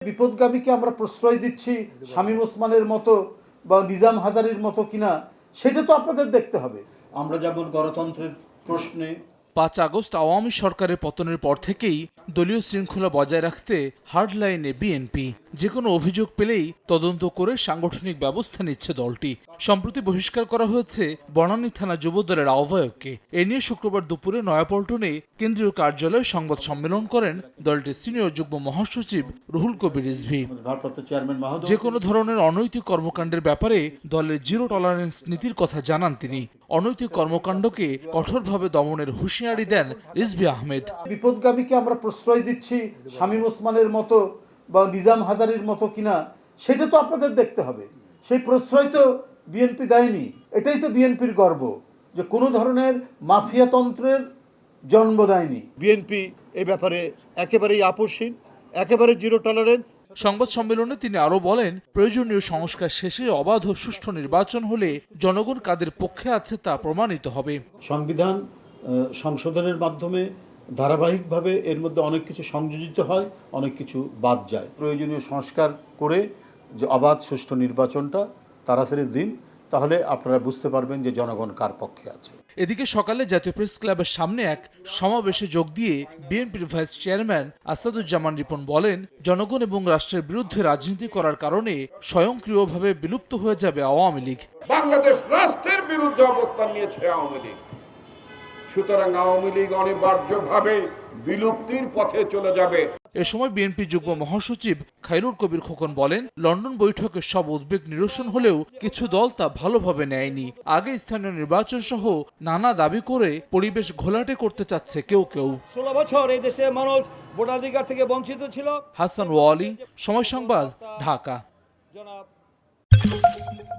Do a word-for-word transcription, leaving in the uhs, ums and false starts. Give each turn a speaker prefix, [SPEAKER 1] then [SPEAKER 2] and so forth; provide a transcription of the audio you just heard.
[SPEAKER 1] বিপদগামীকে আমরা প্রশ্রয় দিচ্ছি শামীম ওসমানের মতো বা নিজাম হাজারীর মতো কিনা, সেটা তো আপনাদের দেখতে হবে। আমরা যেমন গণতন্ত্রের প্রশ্নে
[SPEAKER 2] পাঁচ আগস্ট আওয়ামী সরকারের পতনের পর থেকেই দলীয় শৃঙ্খলা বজায় রাখতে হার্ড লাইনে বিএনপি। যে কোনো অভিযোগ পেলেই তদন্ত করে সাংগঠনিক ব্যবস্থা নিচ্ছে দলটি। সম্প্রতি বহিষ্কার করা হয়েছে বনানী থানা যুবদলের আহ্বায়ককে। এ নিয়ে শুক্রবার দুপুরে নয়াপল্টনে কেন্দ্রীয় কার্যালয়ে সংবাদ সম্মেলন করেন দলটির সিনিয়র যুগ্ম মহাসচিব রুহুল কবির রিজভী। যে কোনো ধরনের অনৈতিক কর্মকাণ্ডের ব্যাপারে দলের জিরো টলারেন্স নীতির কথা জানান তিনি। অনৈতিক কর্মকাণ্ডকে কঠোরভাবে দমনের হুঁশিয়ারি দেন রিজভী আহমেদ।
[SPEAKER 1] বিপদগামীকে আমরা প্রশ্রয় দিচ্ছি শামীম ওসমানের মতো বা নিজাম হাজারীর মতো কিনা, সেটা তো আপনাদের দেখতে হবে। সেই প্রশ্রয় তো বিএনপি দেয়নি। এটাই তো বিএনপির গর্ব যে কোনো ধরনের মাফিয়াতন্ত্রের জন্ম দেয়নি। বিএনপি এ ব্যাপারে একেবারেই আপোষহীন, একেবারে জিরো টলারেন্স।
[SPEAKER 2] সংবাদ সম্মেলনে তিনি আরো বলেন, প্রয়োজনীয় সংস্কার শেষে অবাধ ও সুষ্ঠু নির্বাচন হলে জনগণ কাদের পক্ষে আছে তা প্রমাণিত হবে।
[SPEAKER 1] সংবিধান সংশোধনের মাধ্যমে ধারাবাহিকভাবে এর মধ্যে অনেক কিছু সংযোজিত হয়, অনেক কিছু বাদ যায়। প্রয়োজনীয় সংস্কার করে যে অবাধ সুষ্ঠু নির্বাচনটা তাড়াতাড়ি দিন, তাহলে আপনারা বুঝতে পারবেন যে জনগণ কার পক্ষে আছে।
[SPEAKER 2] এদিকে সকালে জাতীয় প্রেস ক্লাবের সামনে এক সমাবেশে যোগ দিয়ে বিএনপির ভাইস চেয়ারম্যান আসাদুজ্জামান রিপন বলেন, জনগণ এবং রাষ্ট্রের বিরুদ্ধে রাজনীতি করার কারণে স্বয়ংক্রিয়ভাবে বিলুপ্ত হয়ে যাবে আওয়ামী লীগ।
[SPEAKER 3] বাংলাদেশ রাষ্ট্রের বিরুদ্ধে অবস্থান নিয়েছে আওয়ামী লীগ, সুতরাং আওয়ামী লীগ অনিবার্যভাবে বিলুপ্তির পথে চলে যাবে।
[SPEAKER 2] এ সময় বিএনপি যুগ্ম মহাসচিব খায়রুল কবির খোকন বলেন, লন্ডন বৈঠকের সব উদ্বেগ নিরসন হলেও কিছু দল তা ভালোভাবে নেয়নি। আগে স্থানীয় নির্বাচন সহ নানা দাবি করে পরিবেশ ঘোলাটে করতে চাচ্ছে কেউ কেউ।
[SPEAKER 4] ষোলো বছর এই দেশে মানুষ ভোটাধিকার থেকে বঞ্চিত ছিল।
[SPEAKER 2] হাসান ওয়ালি, সময় সংবাদ, ঢাকা।
[SPEAKER 4] জনাব